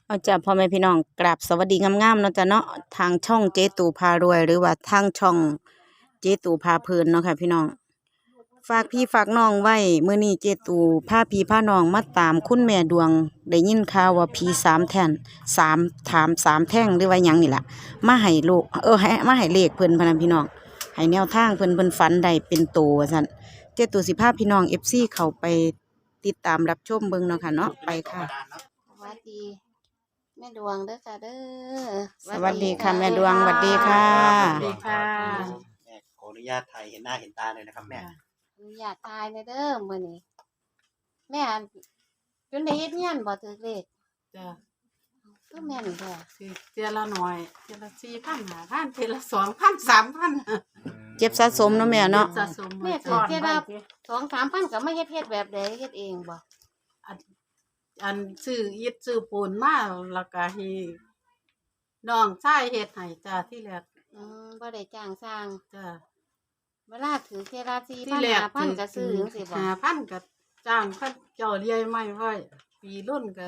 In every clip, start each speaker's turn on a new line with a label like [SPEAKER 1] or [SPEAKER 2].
[SPEAKER 1] เอาจ้ะพ่อแม่พี่น้องกราบสวัสดีงามๆเนาะจ้ะเนาะทางช่องเจ๊ตู่พารวยหรือว่าทางช่องเจ๊ตู่พาเพลินเนาะค่ะพี่น้องฝากพี่ฝากน้องไว้มื้อนี้เจ๊ตู่พาพี่พาน้องมาตามคุณแม่ดวงได้ยินข่าวว่าผีสามแท่นสามถามสามแท่งหรือว่าหยังนี่ล่ะมาให้ลูกให้มาให้เลขเพิ่นพะนันพี่น้องให้แนวทางเพิ่นฝันได้เป็นโตว่าซั่นเจ๊ตู่สิพาพี่น้อง FC เข้าไปติดตามรับชมเบิ่งเนาะค่ะเนาะไปค่ะ
[SPEAKER 2] สวัสดีแม่ดวงเด้อค่ะเด้อ
[SPEAKER 1] สวัสดีค่ะแม่ดวงสวัสดีค่ะ
[SPEAKER 3] สวัสดีค่ะแม่ขออนุญาตถ่ายเห็นหน้าเห็นตาเลยนะครับแม่
[SPEAKER 2] อนุญาตตายเลยเด้อมื้อนี้แม่จนได้เฮ็ดงานบ่ถึกเลข
[SPEAKER 4] จ้ะ
[SPEAKER 2] คือแม่นแท้
[SPEAKER 4] สิเทียละหน่อยเทียละ4,000 5,000เทียละ2,000 3,000
[SPEAKER 1] เจ็บสะสมเนาะแม่เนาะ
[SPEAKER 4] สะสม
[SPEAKER 2] แม่ถือแค่ละ2-3,000ก็มาเฮ็ดแบบใดเฮ็ดเองบ่
[SPEAKER 4] อันซื้ออิฐซื้อปูนมาแล้วก็ให้น้องชายเฮ็ดให้จ้ะที่แรก
[SPEAKER 2] บ่ได้จ้างสร้าง
[SPEAKER 4] จ้ะ
[SPEAKER 2] เวลาถือแค่ละ
[SPEAKER 4] ที่แรก
[SPEAKER 2] 4,000 5,000ก็ซื้อจังซี่บ่
[SPEAKER 4] 5,000ก็จ้างเขาเจ้าเลี้ยงไม้ไว้ปีรุ่นก็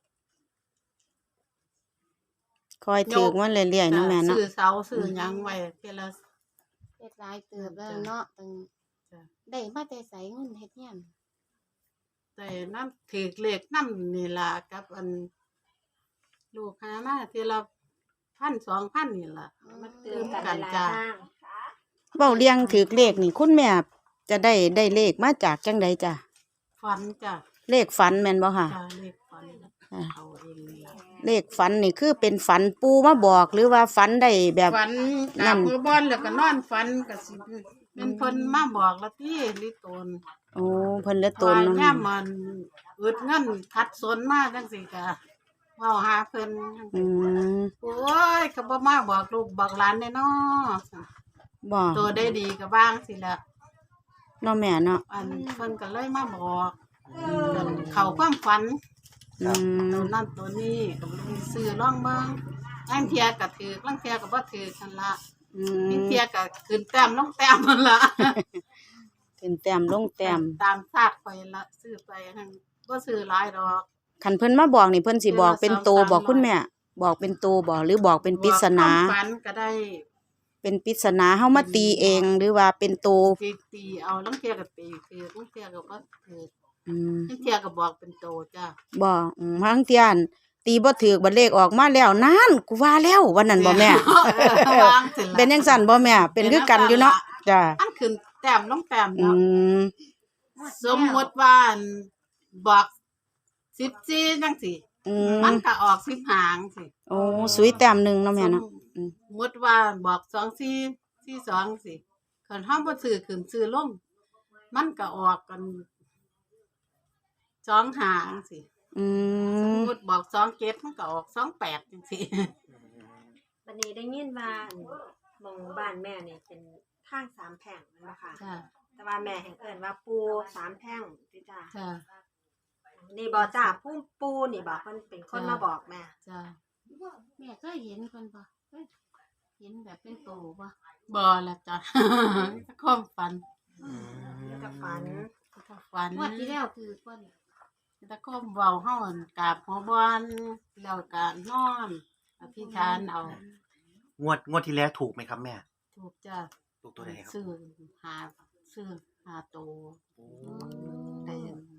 [SPEAKER 1] คอยถือมันเรื่อยๆเนาะแม่เนาะ
[SPEAKER 4] ซื้อเสาซื้อหยังไว้เทียละ
[SPEAKER 2] เฮ็ดหลายเติบแล้วเนาะตึง
[SPEAKER 4] จ้ะ
[SPEAKER 2] ได้มาแต่ไสเงินเฮ็ดงาน
[SPEAKER 4] แต่น้ำถือเลขน้ำนี่ล่ะกับอันลูกหามาทีละ1,000-2,000นี่ล่ะมันตื่มกันจ้า
[SPEAKER 1] เว้าเลี้ยงถือเลขนี่คุณแม่จะได้เลขมาจากจังใดจ้ะ
[SPEAKER 4] ฝันจ้ะ
[SPEAKER 1] เลขฝันแม่นบ่ค่ะ
[SPEAKER 4] จ้าเลขฝันเอาเองนี่ล่ะ
[SPEAKER 1] เลขฝันนี่คือเป็นฝันปูมาบอกหรือว่าฝันได้แบบ
[SPEAKER 4] ฝัน
[SPEAKER 1] นั่
[SPEAKER 4] กับ
[SPEAKER 1] น
[SPEAKER 4] มือบอลแล้วก็นอนฝันก็สิเป็นเพิ่นมาบอกละที่ลิตน
[SPEAKER 1] โอ้เพิ่นเหลือตน
[SPEAKER 4] ว่า
[SPEAKER 1] เนาะ
[SPEAKER 4] ย่ามมันอึดเงินขัดสนมาจังซี่ก็เว้าหาเพิ่นจัง
[SPEAKER 1] อื
[SPEAKER 4] ซี้
[SPEAKER 1] ม
[SPEAKER 4] โอ้ยก็บ่มาบอกลูกบอกหลานแน่น้อ
[SPEAKER 1] บ่
[SPEAKER 4] ตัวได้ดีก็บ้างสิละ
[SPEAKER 1] เนาะแม่เนาะ
[SPEAKER 4] อันเพิ่นก็เลยมาบอกเขาความฝัน
[SPEAKER 1] อืม
[SPEAKER 4] ตัวนั้นตัวนี้ก็บ่ได้ซื้อลองเบิ่งลางเที่ยก็ถือลางเที่ยก็บ่ถือนั่นล่ะ
[SPEAKER 1] อื
[SPEAKER 4] ลาง
[SPEAKER 1] ม
[SPEAKER 4] เที่ยก็ขึ้นแต้มลงแต้มนั่นล่ะ
[SPEAKER 1] ขึ้นแต้มลงแต้ม
[SPEAKER 4] ตามชาติข่อยละซื้อไปหั่นบ่ซื้อหลายดอก
[SPEAKER 1] คันเพิ่นมาบอกนี่เพิ่นสิบอกเป็นโต
[SPEAKER 4] 200-300
[SPEAKER 1] บอกคุณแม่ บอกเป็นโตบ่หรือบอกเป็นปริศนา
[SPEAKER 4] บอกความฝันก็ได้
[SPEAKER 1] เป็นปริศนาเฮามาตีเองหรือว่าเป็นโต
[SPEAKER 4] ตีเอาลางเที่ยก็ตีคือลางเที่ยก็บ่ถือ
[SPEAKER 1] อืม
[SPEAKER 4] ลางเที่ยก็บอกเป็นโตจ้ะ
[SPEAKER 1] บ่บางเที่ยนตีบ่ถูกบัดเลขออกมาแล้วนานกูว่าแล้ววันนั้นบ่แม่
[SPEAKER 4] วางสิล่ะ
[SPEAKER 1] เป็นจังซั่นบ่แม่ เป็นคือกันอยู่เนาะจ้ะ
[SPEAKER 4] อันขึ้นแต้มลงแต้ม
[SPEAKER 1] อื
[SPEAKER 4] เนาะ
[SPEAKER 1] ม
[SPEAKER 4] สมมติว่าอันบอก14จังซี่
[SPEAKER 1] อืม
[SPEAKER 4] มันก็ออก10หางสิ
[SPEAKER 1] โอ้สุยแต้มหนึงเนาะแม่เนาะ
[SPEAKER 4] สมมติว่าบอก2442สิคันเฮาบ่ซื้อขึ้นซื้อลงมันก็ออกกัน2หางสิ
[SPEAKER 1] อื
[SPEAKER 4] สม
[SPEAKER 1] ม
[SPEAKER 4] มุติบอก27มันก็ออก28จังซี่
[SPEAKER 5] วันนี้ได้ยินว่าหมองบ้านแม่เนี่ยเป็นทางสามแพร่งนั่นแหละค่ะ
[SPEAKER 4] จ้ะ
[SPEAKER 5] แต่ว่าแม่แห่งเอิ้นว่าปูสามแพร่งติจ้า
[SPEAKER 4] จ้ะ
[SPEAKER 5] นี่บ่จ้าปูนี่บ่เพิ่นเป็นคนมาบอกแม่
[SPEAKER 4] จ้ะ
[SPEAKER 2] แม่เคยเห็นเพิ่นบ่เคยเห็นแบบเป็นโตบ่
[SPEAKER 4] บ่ล่ะจ้ะ ความฝัน
[SPEAKER 5] แล้วก็ฝัน
[SPEAKER 4] ฝัน
[SPEAKER 2] งวดที่แล้วคือเพิ่น
[SPEAKER 4] ตะคมเว้าเฮาอั่นกราบหัวบอนแล้วก็นอนอธิษฐานเอา
[SPEAKER 3] งวดที่แล้วถูกไหมครับแม่
[SPEAKER 4] ถูกจ้ะ
[SPEAKER 3] ถูกตัวไหนครับ
[SPEAKER 4] ซื้อหาซื้อหาโต
[SPEAKER 3] โอ้
[SPEAKER 4] ได้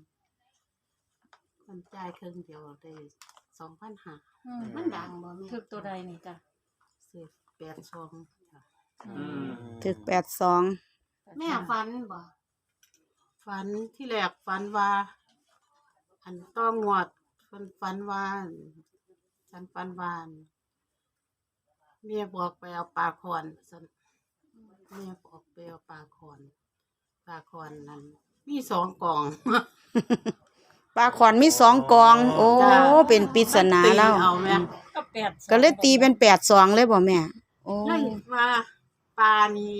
[SPEAKER 4] คนจ่ายครึ่งเดียวได้2,500
[SPEAKER 2] มันดังบ่แม่
[SPEAKER 5] ถึกตัวใดนี่จ้า
[SPEAKER 4] ซื้อ82จ้ะ
[SPEAKER 1] ถึก82
[SPEAKER 2] แม่ฝันบ่
[SPEAKER 4] ฝันที่แรกฝันว่า อันต้องงวดฝันว่าฉันฝันว่าเมียบอกไปเอาปลาคอนซั่นเมียบอกไปเอาปลาคอนนั้นมี2กล่อง
[SPEAKER 1] ปลาขอนมี2กอง โอ้
[SPEAKER 4] จ้ะ
[SPEAKER 1] เป็นปริศนาแล้ว
[SPEAKER 4] ตีเอาแม่
[SPEAKER 5] ก็แปด
[SPEAKER 1] ก็เลยตีเป็น82เลยบ่แม่ โอ้
[SPEAKER 4] เลยว่าปลานี่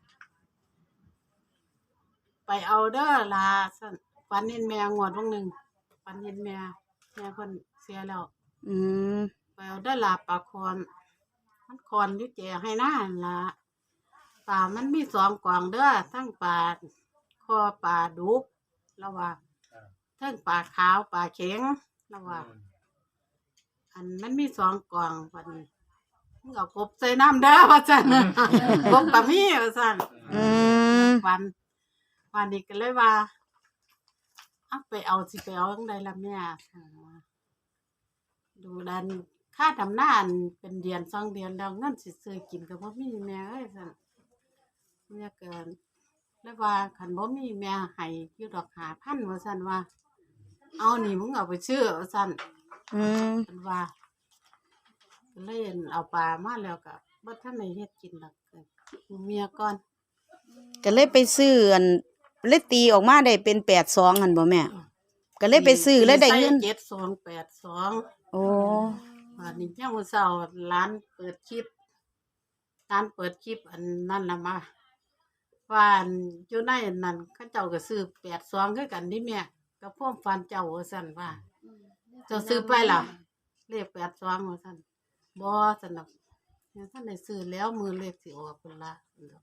[SPEAKER 4] ไปเอาเด้อลาซั่นฝันเห็นแม่งวดวงหนึงฝันเห็นแม่เพิ่นเสียแล้ว
[SPEAKER 1] อืม
[SPEAKER 4] ไปเอาได้อลาปลาคอนมันคอนอยู่แจให้หน้าหั่นละปลามันมี2กล่องเด้อทั้งปลาคอปลาดุกแล้วว่าทั้งปลาขาวปลาเข็งแล้วว่า อัอันมันมีสองกล่องวันนี้มึงเอากบใส่น้ำเด้อว่าซั่นกบก็มีว่าซั่น
[SPEAKER 1] อืม
[SPEAKER 4] วันนี้ก็เลยว่าเอาไปเอาสิไปเอาจังไดล่ะแม่ดูดันค่าทำหน้าอันเป็นเดือน2 เดือนแล้วเงินสิซื้อกินก็บ่มีแม่เอ้ยซั่นแม่เกินแล้วว่าคันบ่มีแม่ให้อยู่ดอก5,000ว่าซั่นว่า เอานี่มึงเอาไปซื้อว่าซั่น
[SPEAKER 1] อืม
[SPEAKER 4] เพิ่นว่าก็เลยเอาปลามาแล้วก็บ่ทันได้เฮ็ดกินดอกเมียก่อน
[SPEAKER 1] ก็เลยไปซื้ออันเลยตีออกมาได้เป็น82หั่นบ่แม่ ก็เลยไปซื้อแล้วได้เงิน
[SPEAKER 4] ใส่7282
[SPEAKER 1] โอ้
[SPEAKER 4] วันนี้ยามมื้อเช้าร้านเปิดคลิปอันนั้นล่ะมาว่าอันอยู่ในนั้นเขาเจ้าก็ซื้อ82คือกันนี่แม่กับพวกฟันเจ้าว่าซั่นว่าเจ้าซื้อไปล่ะเลข82ว่าซั่นบ่ซั่นดอกยังท่านได้ซื้อแล้วมือเลขสิออกพุ่นล่ะ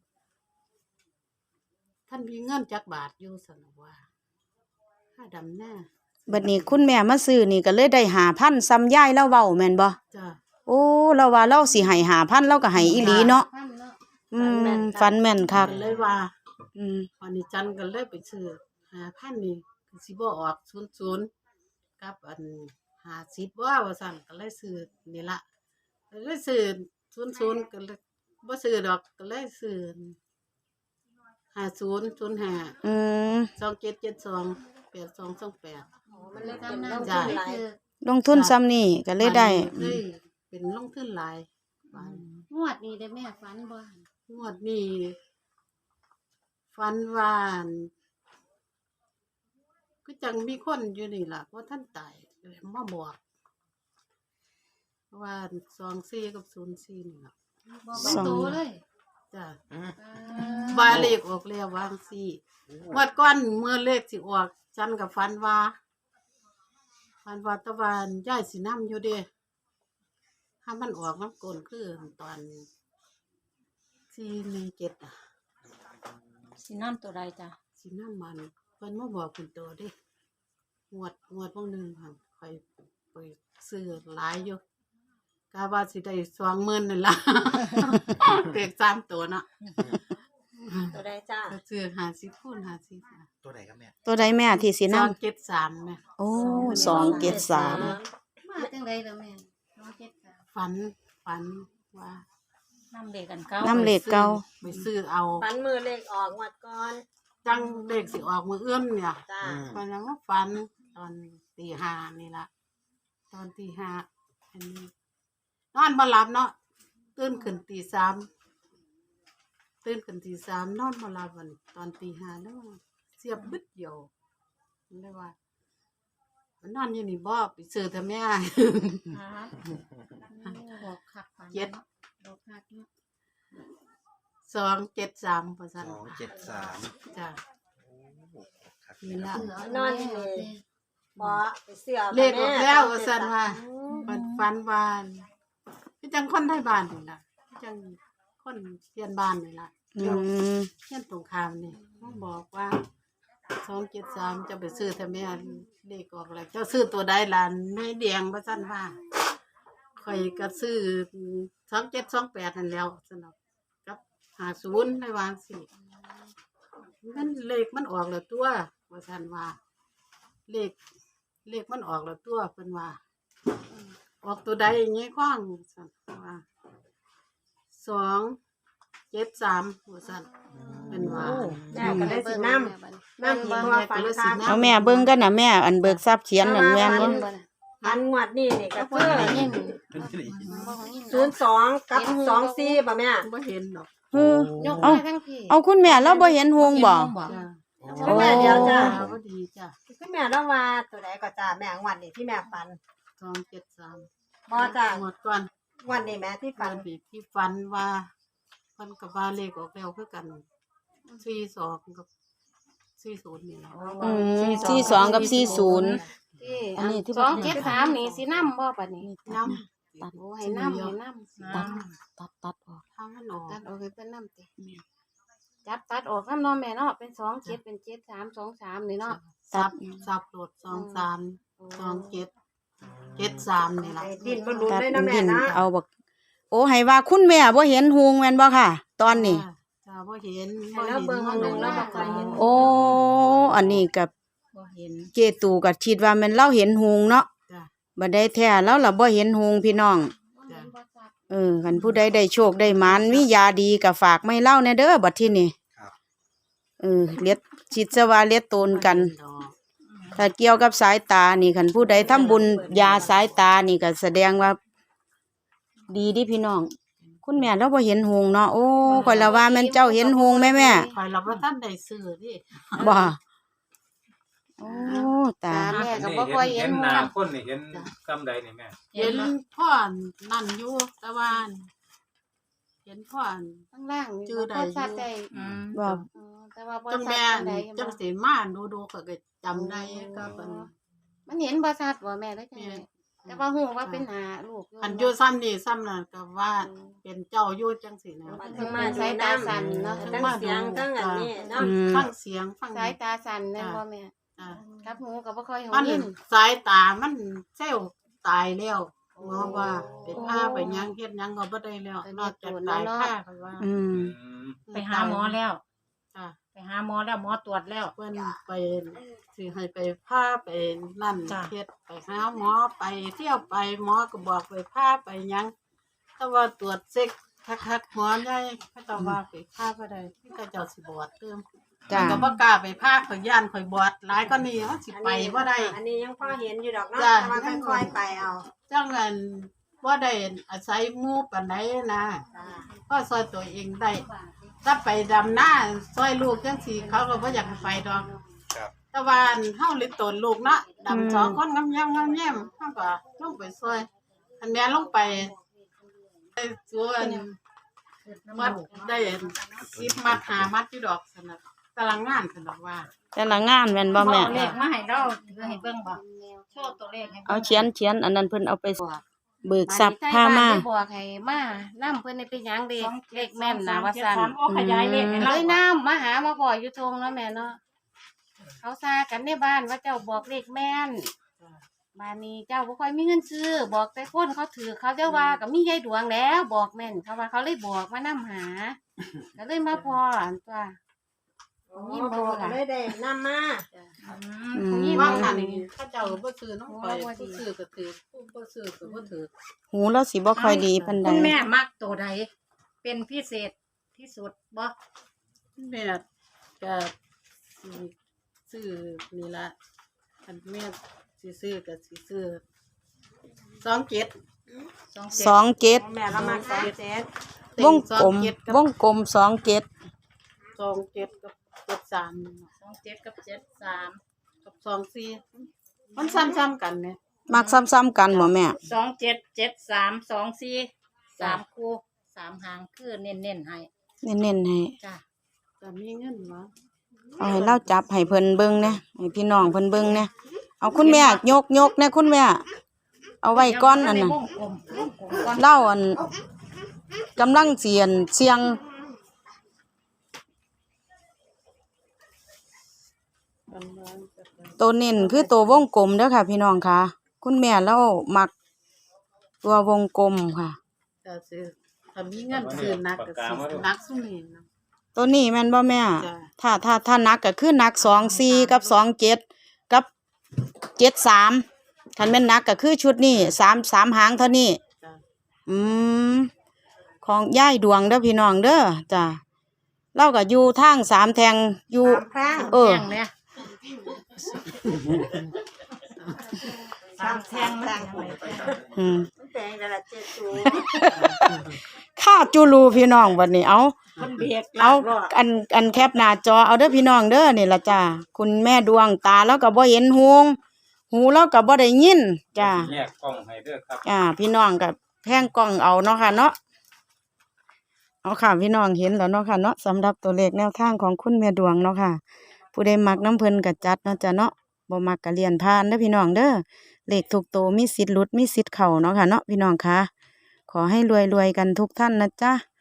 [SPEAKER 4] ท่านมีเงินจักบาทอยู่ซั่นน่ะว่าค่าดำหน้า
[SPEAKER 1] บัดนี้คุณแม่มาซื้อนี่ก็เลยได้5,000ซ้ำยายแล้วเว้าแม่นบ่
[SPEAKER 4] จ้ะ
[SPEAKER 1] โอ้เราว่าเราสิให้5,000เราก็ให้อีหลีเนาะ
[SPEAKER 2] พันเนาะ
[SPEAKER 1] อืมฝันแม่นคัก
[SPEAKER 4] ก็เลยว่า
[SPEAKER 1] อืม
[SPEAKER 4] วันนี้จันก็เลยไปซื้อ5,000นี่ก็สิบ่ออก00กับอัน50ว่าซั่นก็เลยซื้อนี่ล่ะก็เลยซื้อ00ก็เลยบ่ซื้อดอกก็เลยซื้อ5005
[SPEAKER 1] อืม
[SPEAKER 4] 2772 8228
[SPEAKER 5] โอ้มันเลยเป็น
[SPEAKER 2] กำนั
[SPEAKER 5] ล
[SPEAKER 2] น
[SPEAKER 5] ง
[SPEAKER 2] จะ
[SPEAKER 5] ทุน
[SPEAKER 2] ได้
[SPEAKER 5] หลาย
[SPEAKER 2] คือ
[SPEAKER 1] ลงทุนซ้ำนี่ก็เลยได้
[SPEAKER 4] เลยเป็นลงทุนหลายบาท
[SPEAKER 2] งวดนี้ได้แม่ฝันบ่
[SPEAKER 4] งวดนี้ฝันว่าอั่นก็จังมีคนอยู่นี่ล่ะว่าท่านตายเลยมาบอกว่า24กับ04นี่ล่ะ
[SPEAKER 2] บอกเป็นโตเลย
[SPEAKER 4] จ้ะ
[SPEAKER 3] อืม
[SPEAKER 4] ว่าเลขออกแล้ววาจั่งซี่งวดก่อนเมื่อเลขสิออกจันกับฝันว่าตะวันย้ายสินำอยู่เด้ถ้ามันออกมันโกนคือตอน417อ่ะ
[SPEAKER 1] สิน้ำตัวใดจ้ะ
[SPEAKER 4] สินำมันเพิ่นมาบอกเป็นตัวเด้งวดพวกนึงค่ะไปซื้อหลายอยู่กะว่าสิได้20,000นั่นล่ะ เด็ก3ตัวเนาะ
[SPEAKER 5] ตัวใดจ้า
[SPEAKER 4] ก็ซื้อ50คูณ50ค่ะ
[SPEAKER 3] ตัวไหนครับแม่
[SPEAKER 1] ตัวใดแม่ที่สิน้
[SPEAKER 4] 273แม่
[SPEAKER 1] ำโอ้273
[SPEAKER 2] มาจังไดล่ะแม่273
[SPEAKER 4] ฝันว่า
[SPEAKER 6] น้ำเด็กกันเก้า
[SPEAKER 1] น้ำเหล็กเก่า
[SPEAKER 4] ไปซื้อเอา
[SPEAKER 5] ฝันมือเลขออกงวดก่อน
[SPEAKER 4] จังเด็กสิออกมื้ออื่นเนี่ย
[SPEAKER 5] จ้า
[SPEAKER 4] มันแล้วมาฝันตอนตีห้านี่ล่ะตอนตีห้าอันนี้นอนบ่หลับเนาะตื่นขึ้นตี3นอนบ่หลับวันนี้ตอนตีห้าแล้วเสียบบึดเดียวเลยว่ามันนอนอยู่นี่บ่ไปซื้อทำแม่
[SPEAKER 2] บอกคักฝัน
[SPEAKER 4] เจ็ด
[SPEAKER 2] บอกคักเนาะ
[SPEAKER 4] 273ว่าซั่น
[SPEAKER 3] 273
[SPEAKER 4] จ้ะ
[SPEAKER 3] โอ้ครับ
[SPEAKER 4] นี่ล่ะ
[SPEAKER 5] นอนอยู่นี่บ่ไปเสื้อ
[SPEAKER 4] เลขออกแล้วว่าซั่นว่าฝันว่าคือจังคนไทยบ้านนี่ล่ะคือจังคนเพียนบ้านนี่ล่ะ
[SPEAKER 1] อืม
[SPEAKER 4] เพียนตรงข้ามนี่เขาบอกว่า273จะไปซื้อทำไมเลขออกแล้วเจ้าซื้อตัวใดล่ะแม่แดงว่าซั่นว่าข่อยก็ซื้อ2728นั่นแล้วซั่นเนาะกับ50ได้วางสิมันเลขมันออกแล้วตัวว่าซั่นว่าเลขมันออกแล้วตัวเพิ่นว่าออกตัวใดอย่างงี้คว้างซั่นว่า273ว่าซั่นเป็นว่า
[SPEAKER 5] แม่ก็ได้สิน้ำน้ำที่พ่อฝันค่ะ
[SPEAKER 1] เอาแม่เบิ่งกันน่ะแม่อันเบิกทรัพย์เขียนนั่นแม่นบ่
[SPEAKER 5] ฝันงวดนี่นี่ก็
[SPEAKER 2] แล้ว
[SPEAKER 5] คื
[SPEAKER 2] เพิ่น
[SPEAKER 5] อ
[SPEAKER 2] ได้ยิน
[SPEAKER 3] ขึ้นที่ไหน
[SPEAKER 2] บ่ของยิน
[SPEAKER 5] 02กับ24ป่ะแม่
[SPEAKER 4] บ่เห็นดอก
[SPEAKER 1] เออย
[SPEAKER 2] กมาทั้งพี่
[SPEAKER 1] เอาคุณแม่เราบ่เห็นหงบ่
[SPEAKER 4] จ้ะ
[SPEAKER 5] คุณแม่เดี๋ยวจ้า
[SPEAKER 4] บ่ดีจ้ะ
[SPEAKER 5] คุณแม่ต้องว่าตัวใดก็จ้าแม่งวดนี่ที่แม่ฝัน
[SPEAKER 4] 273
[SPEAKER 5] บ่จ้า
[SPEAKER 4] หมดก่อน
[SPEAKER 5] งวดนี่แม่ที่
[SPEAKER 4] ฝั
[SPEAKER 5] ฝั
[SPEAKER 4] น
[SPEAKER 5] น
[SPEAKER 4] ที่ฝันว่าเพิ่นกับว่าเลขออกแล้วคือกัน42กับ40นี่ล่ะ
[SPEAKER 1] อืม42กับ40
[SPEAKER 2] ที่
[SPEAKER 1] อันนี้ที่
[SPEAKER 2] 273นี่สินำบ่บัดนี้
[SPEAKER 4] น้ำ
[SPEAKER 2] โอ้ให้นำให้นำ
[SPEAKER 1] ตัดออก
[SPEAKER 4] ทางมันออก
[SPEAKER 2] ตัดออกให้เพิ่นนำติจับตัดออกนำเนาะแม่เนาะเป็น27เป็น73 23นี่เนาะ
[SPEAKER 4] สับโหลด23 27 73นี่ล่ะ
[SPEAKER 5] ดิ้นบ่หลุด
[SPEAKER 1] ตัด
[SPEAKER 5] เลยนะแม่
[SPEAKER 1] ดิน
[SPEAKER 5] นะ
[SPEAKER 1] เอาบักโอ้ให้ว่าคุณแม่บ่เห็นฮูงแม่นบ่ค่ะ ตอนนี้
[SPEAKER 4] จ้าบ่เห็น
[SPEAKER 5] ให้เราเบิ่งหนึ่งแล้วบ่ค่อยเห็น
[SPEAKER 1] โอ้อันนี้กับ
[SPEAKER 6] บ่เห็น
[SPEAKER 1] เจตูก็คิดว่าแม่นเราเห็นฮูงเนาะ
[SPEAKER 4] จ้า
[SPEAKER 1] บ่ได้แท้แล้วล่ะบ่เห็นฮูงพี่น้อง
[SPEAKER 4] จ้า
[SPEAKER 1] คันผู้ใดได้โชคได้หมานมียาดีก็ฝากไม่เล่าแน่เด้อบัดทีนี้
[SPEAKER 3] ครับ
[SPEAKER 1] เลียดชิดซะว่าเลียดตนกัน ถ้าเกี่ยวกับสายตานี่คันผู้ใดทำบุญยาสายตานี่ก็แสดงว่า ดีดิพี่น้อง คุณแม่เราบ่เห็นหงส์เนาะโอ้ข่อยละว่าแม่นเจ้าเห็นหงส์แม่
[SPEAKER 4] ข่อยเราบ่ทันได้ซื้อดิ
[SPEAKER 1] บ่โอ้ตา
[SPEAKER 2] แม่ก็บ่ค่อยเห็น
[SPEAKER 7] หน้าคนนี่เห็นกำใดนี่แม่
[SPEAKER 4] เห็นพ่อนั่นอยู่แต่ว่าเห็นพ่อ
[SPEAKER 2] ข้างล่างนี่
[SPEAKER 4] จื้อใด
[SPEAKER 2] บ่ชัดได้
[SPEAKER 6] อืม
[SPEAKER 1] บ่
[SPEAKER 2] แต่ว่าบ่
[SPEAKER 4] จัง
[SPEAKER 2] ชั
[SPEAKER 4] แม่
[SPEAKER 2] ดปานใด
[SPEAKER 4] จังสิมาดูๆก็จำได้ก็เป็น
[SPEAKER 2] มันเห็นบ่ชัดบ่แม่เลยจังได๋แต่ว่าฮู้ว่าเป็นหน้าลูก
[SPEAKER 4] อันอยู่ซ้ำนี่ซ้ำนั่นก็ว่าเป็นเจ้าอยู่จังสินะ
[SPEAKER 5] ทั้งมา
[SPEAKER 2] สายตาสั่นเนาะ
[SPEAKER 5] ทั้งเสียงทั้งอันนี้เนาะ
[SPEAKER 4] ฟังเสียงฟัง
[SPEAKER 2] สายตาสั่นแม่นบ่แม่
[SPEAKER 4] อ่า
[SPEAKER 2] กับหูก็บ่ค่อยหู
[SPEAKER 4] มัน
[SPEAKER 2] ยิน
[SPEAKER 4] สายตามันเซลล์ตายแล้วหมอว่าเป็นผ้าไปหยังเฮ็ดหยังก็บ่ได้แล้วนอกจากตายผ้าก็ว่า
[SPEAKER 1] อืม
[SPEAKER 6] ไปหาหมอแล้ว
[SPEAKER 4] จ้ะ
[SPEAKER 6] ไปหาหมอแล้วหมอตรวจแล้ว
[SPEAKER 4] เพิ่นไปสิให้ไปผ้าไปนั่น
[SPEAKER 6] จ้ะ
[SPEAKER 4] เฮ็ดไปหาหมอไปเที่ยวไปหมอก็บอกไปผ้าไปหยังแต่ว่าตรวจเช็คคักๆหมอใหญ่เขาเจ้าว่าไปผ้าบ่ได้เขาเจ้าสิบวชเติม
[SPEAKER 1] จ้า
[SPEAKER 4] ก็บ่กล้าไปผ้าข่อยย่านข่อยบวชหลายกว่านี้มันสิไปบ่ได้
[SPEAKER 5] อันนี้ยังพอเห็นอยู่ดอกเนาะ
[SPEAKER 4] จ้ะ
[SPEAKER 5] แต่ว่าค่อยๆไปเอา
[SPEAKER 4] จังนั้นบ่ได้อาศัยหมู่ปานใดนะ
[SPEAKER 5] จ้ะ
[SPEAKER 4] ก็ซอยตัวเองได้ถ้าไปดำหน้าซอยลูกจังซี่เขาก็บ่อยากให้ไปดอก
[SPEAKER 3] ครับ
[SPEAKER 4] แต่ว่าอันเฮาเลยตนลูกเนาะดำสองคนงามๆงามๆเฮาก็ลงไปซอยอันแม่ลงไปไปสวนมัดได้10มัด5มัดอยู่ดอกซั่นน่ะกำลังงานซั่นดอกว่า
[SPEAKER 1] แต่ละงานแม่นบ่แม่
[SPEAKER 6] เอาเลขมาให้เราถือให้เบิ่งบ่โชว์ตัวเลขให้
[SPEAKER 1] เอา
[SPEAKER 6] บิ่ง
[SPEAKER 1] เขียนอันนั้นเพิ่นเอาไปเบิกทรัพย์พามา
[SPEAKER 2] ได้บอกให้มานํเพิ่นได้เป็นหยังเด็กเลขแม่นนะว่าซั่น
[SPEAKER 6] โอ้ขยายเลขให้
[SPEAKER 2] เล
[SPEAKER 6] เรา
[SPEAKER 2] ยน้ำมาหามาพ่ออยู่ทงเนาะแม่เนาะเขาซากันในบ้านว่าเจ้าบอกเลขแม่นบ้านนี้เจ้าบ่ค่อยมีเงินซื้อบอกแต่คนเขาถือเขาจะว่าก็มียายดวงแล้วบอกแม่นเขาว่าเขาเลยบอกมานํหาก็เลยมาพ่ออันตัว
[SPEAKER 5] นี่บอกเลยได้นำมา
[SPEAKER 1] อืม
[SPEAKER 4] ว่าคั่นนี่เขาเจ้าบ่ซื้อน้องข่อยผู้ซื้อก็ถือผู้บ่ซื้อก็บ่ถือ
[SPEAKER 1] หูเราสิบ่ค่อยดีปานใด
[SPEAKER 6] คุณแม่มักตัวใดเป็นพิเศษที่สุดบ่
[SPEAKER 4] แม่ก็สิซื้อนี่ล่ะคันแม่สิซื้อก็สิซื้อ27
[SPEAKER 1] 27
[SPEAKER 5] แม่เรามา27
[SPEAKER 1] วงกลมวงกลม27
[SPEAKER 4] 27กับ73
[SPEAKER 6] 27กับ73
[SPEAKER 4] กับ24มันซ้ำๆกันเนี่ย
[SPEAKER 1] มักซ้ำๆกันบ่แม่
[SPEAKER 6] 27 73 24 3คู่3หางคือเน้นๆให้
[SPEAKER 1] เน้นๆให้
[SPEAKER 6] จ้ะ
[SPEAKER 4] ก็มีเงินบ่
[SPEAKER 1] เอาให้เราจับให้เพิ่นเบิ่งแหน่ให้พี่น้องเพิ่นเบิ่งแหน่เอาคุณแม่ยกแหน่คุณแม่ เอาไว้ก่อนอันน่ะ
[SPEAKER 6] วงกลมก่อน
[SPEAKER 1] เล่าอันกำลังเสียงตัวเน้นคือตัววงกลมเด้อค่ะ พี่น้องค่ะ คุณแม่เรามักตัววงกลมค่ะ
[SPEAKER 4] ก็สิถ้ามีเงินซื้อหนักก็สิหนักซุนี่นะ
[SPEAKER 1] ตัวนี้แม่นบ่แม่
[SPEAKER 4] จ้ะ
[SPEAKER 1] ถ้านักก็คือนัก24กับ27กับ73คันแม่นนักก็คือชุดนี้3หางเท่านี้
[SPEAKER 4] จ้ะ
[SPEAKER 1] อืมของยายดวงเด้อพี่น้องเด้อจ้ะเราก็อยู่ทาง3แทงอยู่
[SPEAKER 5] 3ครั้ง
[SPEAKER 1] เออ
[SPEAKER 6] แท่งเนี่ย3แท่งมันยังไง
[SPEAKER 1] อืม
[SPEAKER 5] แตงแต่ละ7ตัว
[SPEAKER 1] ข้าจูรูพี่น้องบัดนี้เอา
[SPEAKER 6] มันเบียก
[SPEAKER 1] เอาอันแคปหน้าจอเอาเด้อพี่น้องเด้อนี่ล่ะจ้ะคุณแม่ดวงตาแล้วก็บ่เห็นหูแล้วก็บ่ได้ยินจ้ะ
[SPEAKER 7] แยกกล้องให้เด้อครับ
[SPEAKER 1] พี่น้องก็แพงกล้องเอาเนาะค่ะเนาะเอาค่ะพี่น้องเห็นแล้วเนาะค่ะเนาะสำหรับตัวเลขแนวทางของคุณแม่ดวงเนาะค่ะ ผู้ใดมักน้ำเพิ่นก็จัดเนาะจ้ะเนาะบ่มักก็เลียนผ่านเด้อพี่น้องเด้อเลขทุกตัวมีสิทธิ์หลุดมีสิทธิ์เข้าเนาะค่ะเนาะพี่น้องค่ะขอให้รวยๆกันทุกท่านนะจ๊ะ